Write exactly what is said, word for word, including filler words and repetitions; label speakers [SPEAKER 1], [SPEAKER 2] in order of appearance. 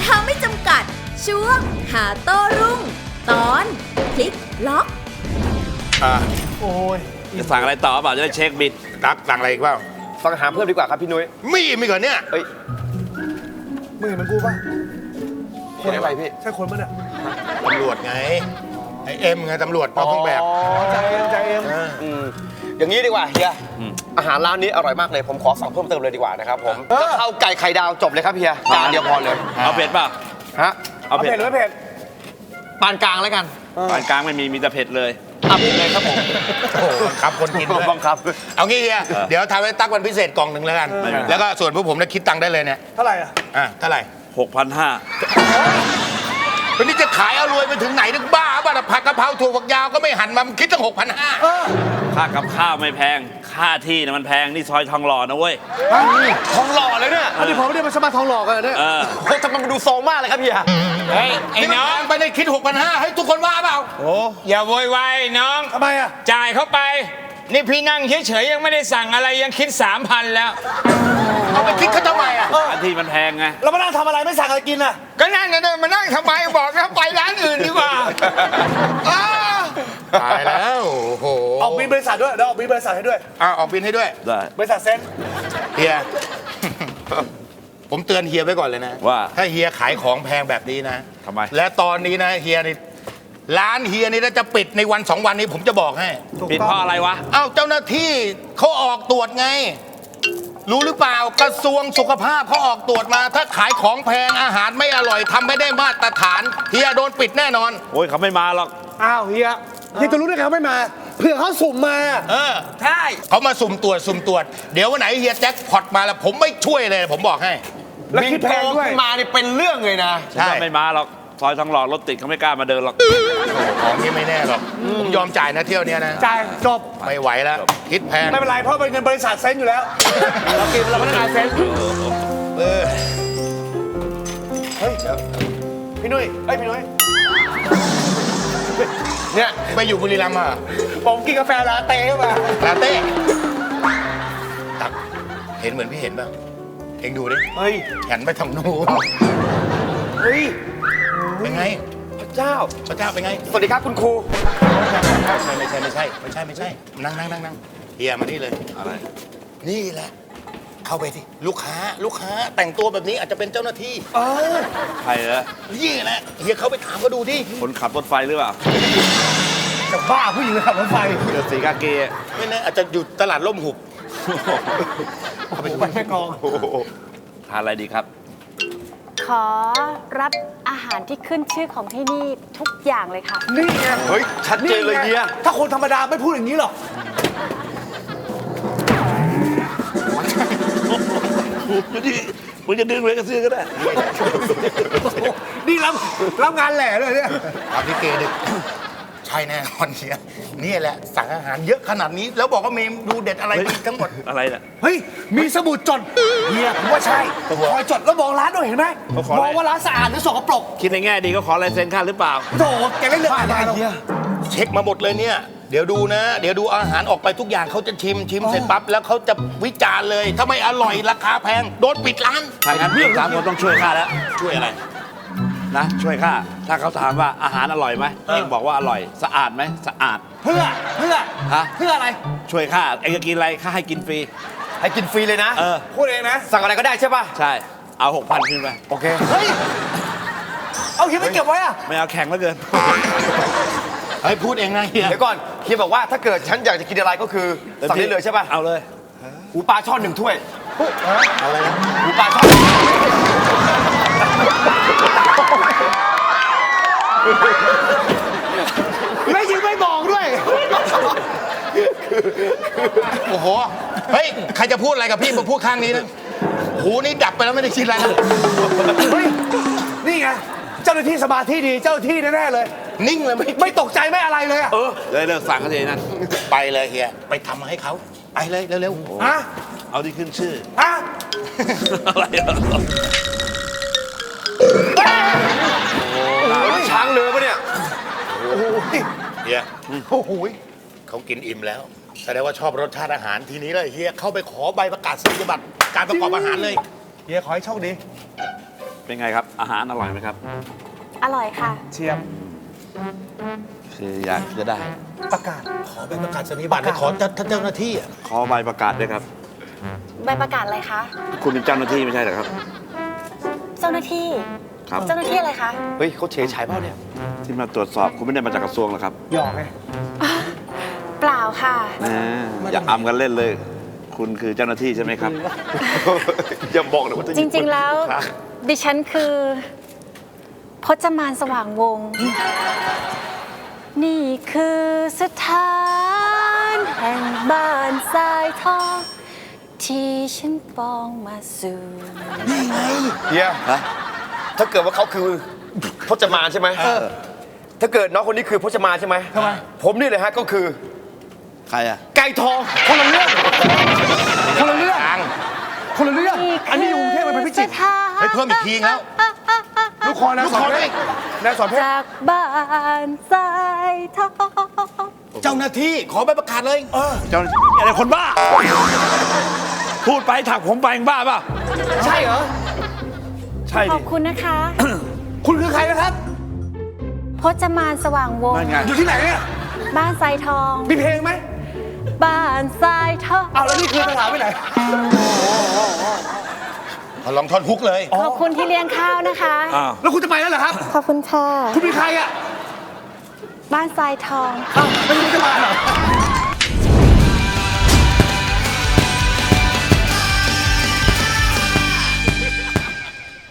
[SPEAKER 1] าไม่จำกัดช่วงหาโต้รุ่งตอนพลิกล็อก
[SPEAKER 2] อ่า
[SPEAKER 3] โอ้ย
[SPEAKER 4] จะสั่งอะไรต่อเปล่าจะได้เช็คบิล
[SPEAKER 2] ตักสั่งอะไรอีกเปล่า
[SPEAKER 3] สั่งอาหารเพิ่มดีกว่าครับพี่นุ้ย
[SPEAKER 2] มีมีก่อนเนี่ย
[SPEAKER 3] เอ้ยมึงเห็นมันกูป่ะคนอะไรพี่ใช่คนมั้ยเนี่ย
[SPEAKER 2] ตำรวจไงไอเอ็มไงตำรวจนอกเครื่องแบบ
[SPEAKER 3] อ๋อใจเอ็มใจเอ็มอืมอย่างนี้ดีกว่าเฮียอาหารร้านนี้อร่อยมากเลยผมขอสั่งเพิ่มเติมเลยดีกว่านะครับผมกะเพราไก่ไข่ดาวจบเลยครับเฮียจานเดียวพอเลย
[SPEAKER 4] เอาเผ็ดป่ะ
[SPEAKER 3] ฮะเอาเผ็ดหรือไม่เผ็ดปานกลางแล้วกัน
[SPEAKER 4] ปานกลางไม่มีมีแต่เผ็ดเลย
[SPEAKER 3] เอาเผ็ดเลยครับผม
[SPEAKER 2] โอ้บังคับคนกินด้วย
[SPEAKER 3] บังคับ
[SPEAKER 2] เอางี้เฮียเดี๋ยวทำให้ตักวันพิเศษกล่องหนึ่งแล้วกันแล้วก็ส่วนพวกผมนะคิดตังค์ได้เลยเนี่ย
[SPEAKER 3] เท่าไหร่อ่ะ
[SPEAKER 2] อ่ะเท่าไหร่
[SPEAKER 4] หกพันห้า
[SPEAKER 2] วันนี้จะขายเอารวยไปถึงไหนนึกบ้าบ้าผักกะเพราถั่วฝักยาวก็ไม่หั่นมาคิดตั้งหกพันห้า
[SPEAKER 4] ค่ากับข้าวไม่แพงค่าที่นะมันแพงนี่ซอยทองหล่อนะเว้ย
[SPEAKER 3] ทองหล่อเลยเนี่ยอันนี้ผมไม่ได้มาสมัครทองหล่อกันเนี่ยโคตรมันดูโซมากเลยครับพี่อะ
[SPEAKER 2] เฮ้ยไอ้น้องไปได้คิดหกพันห้าให้ทุกคนว่าเปล่า
[SPEAKER 5] โอ้อย่าโวยวายน้อง
[SPEAKER 3] ทำไมอะ
[SPEAKER 5] จ่ายเข้าไปนี่พี่นั่งเฉยๆยังไม่ได้สั่งอะไรยังคิดสามพันแล้ว
[SPEAKER 2] เอาไปคิดเขาทำไมอ่ะ
[SPEAKER 4] ค่าที่มันแพงไง
[SPEAKER 3] เรามานั่งทำอะไรไม่สั่งอะไรกินอ่ะ
[SPEAKER 5] ก็นั่งกันเลยมานั่งทำไมบอกนะไปร้านอื่นดีกว่า
[SPEAKER 2] ตายแล้วโอ้โห
[SPEAKER 3] ออกบินบริษัทด้วยเดี๋ยวออกบินบริษัทให้ด้วย
[SPEAKER 2] อ่าออกบินให้ด้วย
[SPEAKER 4] ได้
[SPEAKER 3] บริษัทเซ็น
[SPEAKER 2] เฮียผมเตือนเฮียไว้ก่อนเลยนะ
[SPEAKER 4] ว่า
[SPEAKER 2] ถ้าเฮียขายของแพงแบบนี้นะ
[SPEAKER 4] ทำไม
[SPEAKER 2] และตอนนี้นะเฮียนี่ร้านเฮียนี่จะปิดในวันสองวันนี้ผมจะบอกให้
[SPEAKER 4] ปิดเพราะอะไรวะ
[SPEAKER 2] เอ้าเจ้าหน้าที่เขาออกตรวจไงรู้หรือเปล่ากระทรวงสุขภาพเขาออกตรวจมาถ้าขายของแพงอาหารไม่อร่อยทำไม่ได้มาตรฐานเฮียโดนปิดแน่นอน
[SPEAKER 4] โอ้ยเขาไม่มาหรอก
[SPEAKER 3] อ้าวเฮียเฮียจะรู้ได้ไงเขาไม่มาเผื่อเขาสุ่มมา
[SPEAKER 2] เออใช่เขามาสุ่มตรวจสุ่มตรวจเดี๋ยววันไหนเฮียแจ็คพอตมาแล้วผมไม่ช่วยเลยผมบอกให้
[SPEAKER 3] แล้วคิดแพงด้วยมาเนี่ยเป็นเรื่องเลยนะ
[SPEAKER 4] ใช่ไม่มาหรอกซอยทองหล่อรถติดเขาไม่กล้ามาเดินหรอก
[SPEAKER 2] ของนี้ไม่แน่หรอกผมยอมจ่ายนะเที่ยวนี้นะ
[SPEAKER 3] จ่ายจบ
[SPEAKER 2] ไม่ไหวแล้วคิดแพง
[SPEAKER 3] ไม่เป็นไรเพราะเป็นเงินบริษัทเซ็นอยู่แล้วเรากินเราพนักงานเซ็น
[SPEAKER 2] เออ
[SPEAKER 3] เฮ้ยพี่นุ้ยเฮ้ยพี่นุ้ย
[SPEAKER 2] เนี่ยไปอยู่บุรีรัมย์มา
[SPEAKER 3] ผมกินกาแฟลาเต้มา
[SPEAKER 2] ลาเต้ตักเห็นเหมือนพี่เห็นป่ะเอ็งดูดิ
[SPEAKER 3] เฮ้ย
[SPEAKER 2] แขนไปทางนู้น
[SPEAKER 3] เฮ้ย
[SPEAKER 2] เป็นไง
[SPEAKER 3] พระเจ้า
[SPEAKER 2] พระเจ้าเป็นไง
[SPEAKER 3] สวัสดีครับคุณครู
[SPEAKER 2] ไม่ใช่ไม่ใช่ไม่ใช่ไม่ใช่นั่งนั่งนั่งนั่งเฮียมานี่เลย
[SPEAKER 4] อะไร
[SPEAKER 2] นี่แหละเข้าไปที่ลูกค้าลูกค้าแต่งตัวแบบนี้อาจจะเป็นเจ้าหน้าที่
[SPEAKER 3] เออ
[SPEAKER 4] ใครเหรอ
[SPEAKER 2] นี่แหละเฮียเขาไปถามก็ดูดิ
[SPEAKER 4] คนขับรถไฟหรือเปล่า
[SPEAKER 3] จะบ้าผู้หญิงขับรถไฟ
[SPEAKER 4] เดือดสีกาเกะ
[SPEAKER 2] ไม่แน่อาจจะอยู่ตลาดล่มหุบ
[SPEAKER 3] ไปแม่กอง
[SPEAKER 4] ทานอะไรดีครับ
[SPEAKER 6] ขอรับอาหารที่ขึ้นชื่อของที่นี่ทุกอย่างเลยค่ะ
[SPEAKER 3] นี่ไง
[SPEAKER 2] เฮ้ยชัดเจนเลยเฮีย
[SPEAKER 3] ถ้าคนธรรมดาไม่พูดอย่างนี้หรอก
[SPEAKER 4] มึงจะดึงเลยกระเสื้อก็ได้
[SPEAKER 3] นี่รับรับงานแหล่เลยเนี่ย
[SPEAKER 2] รับลิเกดึกใช่แน่นอนเฮียนี่แหละสั่งอาหารเยอะขนาดนี้แล้วบอกว่าเมนูเด็ดอะไรทั้งหมด
[SPEAKER 4] อะไรน่ะ
[SPEAKER 3] เฮ้ยมีสมุดจดเฮียผมว่าใช่คอยจดแล้วมองร้านด้วยเห็นไหมมองว่าร้านสะอาดหรือสกปรก
[SPEAKER 4] คิดในแง่ดีก็ขอลายเซ็นค่าหรือเปล่า
[SPEAKER 3] โถแกเล่นเรื่องอะไรเฮีย
[SPEAKER 2] เช็คมาหมดเลยเนี่ยเดี๋ยวดูนะเดี๋ยวดูอาหารออกไปทุกอย่างเขาจะชิมชิมเสร็จปั๊บแล้วเขาจะวิจารณ์เลยถ้าไม่อร่อยราคาแพงโดนปิดร้าน
[SPEAKER 4] ทางนั้นพี่สามคนต้องช่วยข้าแล้ว
[SPEAKER 2] ช่วยอะไร
[SPEAKER 4] นะช่วยข้าถ้าเขาถามว่าอาหารอร่อยไหมเองบอกว่าอร่อยสะอาดไหมสะอาด
[SPEAKER 3] เพื่อเพื่อ
[SPEAKER 4] ฮะ
[SPEAKER 3] เพื่ออะไร
[SPEAKER 4] ช่วยข้าเองจะกินอะไรข้าให้กินฟรี
[SPEAKER 3] ให้กินฟรีเลยนะ
[SPEAKER 4] เออ
[SPEAKER 3] พูดเองนะสั่งอะไรก็ได้ใช่ป่ะ
[SPEAKER 4] ใช่เอาหกพันขึ้นไป
[SPEAKER 3] โอเคเฮ้ยเอาเฮียไม่เก็บไว้อะ
[SPEAKER 4] ไม่เอาแข็งแล้วเกิน
[SPEAKER 2] เฮ้ยพูดเองนะเฮีย
[SPEAKER 3] เดี๋ยวก่อนเฮียบอกว่าถ้าเกิดฉันอยากจะกินอะไรก็คือสั่งได้เลยใช่ป่ะ
[SPEAKER 4] เอาเลย
[SPEAKER 3] หูปลาช่อนหนึ่งถ้วย
[SPEAKER 2] อะไรนะ
[SPEAKER 3] หูปลาช่อนไม่ยิงไม่บอกด้วย
[SPEAKER 2] โอ้โหเฮ้ยใครจะพูดอะไรกับพี่มาพูดข้างนี้นะหูนี่ดับไปแล้วไม่ได้คิดอะไรนะ
[SPEAKER 3] เฮ้ยนี่ไงเจ้าหน้าที่สมาธิดีเจ้าหน้าที่แน่ๆเลย
[SPEAKER 2] นิ่งเลยไม่
[SPEAKER 3] ไม่ตกใจไม่อะไรเลย
[SPEAKER 4] เออเลยเลิกสั่งกันเลยนั่น
[SPEAKER 2] ไปเลยเฮียไปทำมาให้เขาไปเลยเร็ว
[SPEAKER 3] ๆฮะ
[SPEAKER 4] เอาที่ขึ้นชื่อ
[SPEAKER 3] ฮะ
[SPEAKER 4] อะไร
[SPEAKER 3] ช้างเรือปะเนี่ย
[SPEAKER 2] โอ้โหเฮียโอ้โหเขากินอิ่มแล้วแสดงว่าชอบรสชาติอาหารทีนี้เลยเฮียเข้าไปขอใบประกาศนียบัตรการประกอบอาหารเลย
[SPEAKER 3] เฮียขอให้โชคดี
[SPEAKER 4] เป็นไงครับ อาหารอร่อยไหมครับ
[SPEAKER 6] อร่อยค่ะ
[SPEAKER 7] เชียบ
[SPEAKER 4] คืออยากจะได้
[SPEAKER 7] ประกาศ
[SPEAKER 2] ขอเป็นประกาศนียบัตรขอท่านเจ้าหน้าที่อะ
[SPEAKER 4] ขอใบประกาศด้วยครับ
[SPEAKER 6] ใบประกาศอะไรคะ
[SPEAKER 4] คุณเป็นเจ้าหน้าที่ไม่ใช่เหรอครับ
[SPEAKER 6] เจ้าหน้าที่
[SPEAKER 4] ครับ
[SPEAKER 6] เจ้าหน้าที่อะไรคะ
[SPEAKER 3] เฮ้ยเขาเฉยฉายเปล่าเนี่ย
[SPEAKER 4] ที่มาตรวจสอบคุณไม่ได้มาจากกระทรวงหรอครับ
[SPEAKER 7] หยอกไง
[SPEAKER 6] เปล่าค่ะ
[SPEAKER 4] นะอย่าอำกันเล่นเลย คุณคือเจ้าหน้าที่ใช่ไหมครับ
[SPEAKER 3] อย่าบอกเลยว่าจะ
[SPEAKER 6] จริงๆ แล้ว ดิฉันคือพจมานสว่างวงศ์นี่คือสถานแห่งบ้านทรายทอง ที่ฉันปองมาสู่
[SPEAKER 3] เฮียถ้าเกิดว่าเขาคือพจมานใช่ไหมถ้าเกิดน้องคนนี้คือพจมานใช่ไหมทำไมผมนี่เลยฮะก็คือ
[SPEAKER 4] ใครอ่ะ
[SPEAKER 3] ไก่ทอง
[SPEAKER 7] คนละเรื่องคนละเรื่องคนละเรื่องอันนี้อยู่กรุงเทพมันเป็นพิจิตร
[SPEAKER 2] เฮ้ยเพิ่มอีกทีแล้ว
[SPEAKER 7] ลูกคอนะ
[SPEAKER 2] ลูก
[SPEAKER 7] สอ
[SPEAKER 2] คอน
[SPEAKER 7] เพ
[SPEAKER 2] ด้ว
[SPEAKER 7] ช
[SPEAKER 2] ย
[SPEAKER 7] รนายสอนเพชร
[SPEAKER 6] จากบ้านทรายทอง
[SPEAKER 2] เจ้าหน้าที่ขอใบประกาศเลย
[SPEAKER 4] เจ้าหน้าที่อะไรคนบ้า พูดไปถักผมไปยังบ้าเปล่า
[SPEAKER 3] ใช่เหรอ
[SPEAKER 4] ใช่
[SPEAKER 6] ข
[SPEAKER 4] ดิ
[SPEAKER 6] อบคุณนะคะ
[SPEAKER 7] คุณคือใครนะครับ
[SPEAKER 6] พจมานสว่างวง
[SPEAKER 4] นั่น
[SPEAKER 6] ศ์
[SPEAKER 4] ไง
[SPEAKER 7] อยู่ที่ไหนเนี่ย
[SPEAKER 6] บ้านทรายทอง
[SPEAKER 7] มีเพลงไหม
[SPEAKER 6] บ้านทรายทอง
[SPEAKER 7] เอาแล้วนี่คือสถานไปไหน
[SPEAKER 2] ขอลองท่อนฮุกเลย
[SPEAKER 6] ขอบคุณที่เลี้ยงข้าวนะคะ
[SPEAKER 4] อ้าว
[SPEAKER 7] แล้วคุณจะไปแล้วเหรอครับ
[SPEAKER 6] ขอบคุณค่ะ
[SPEAKER 7] คุณเป็นใครอ่ะ
[SPEAKER 6] บ้านทรายทอง
[SPEAKER 7] อ้าวไม่รู้จะมาเหรอ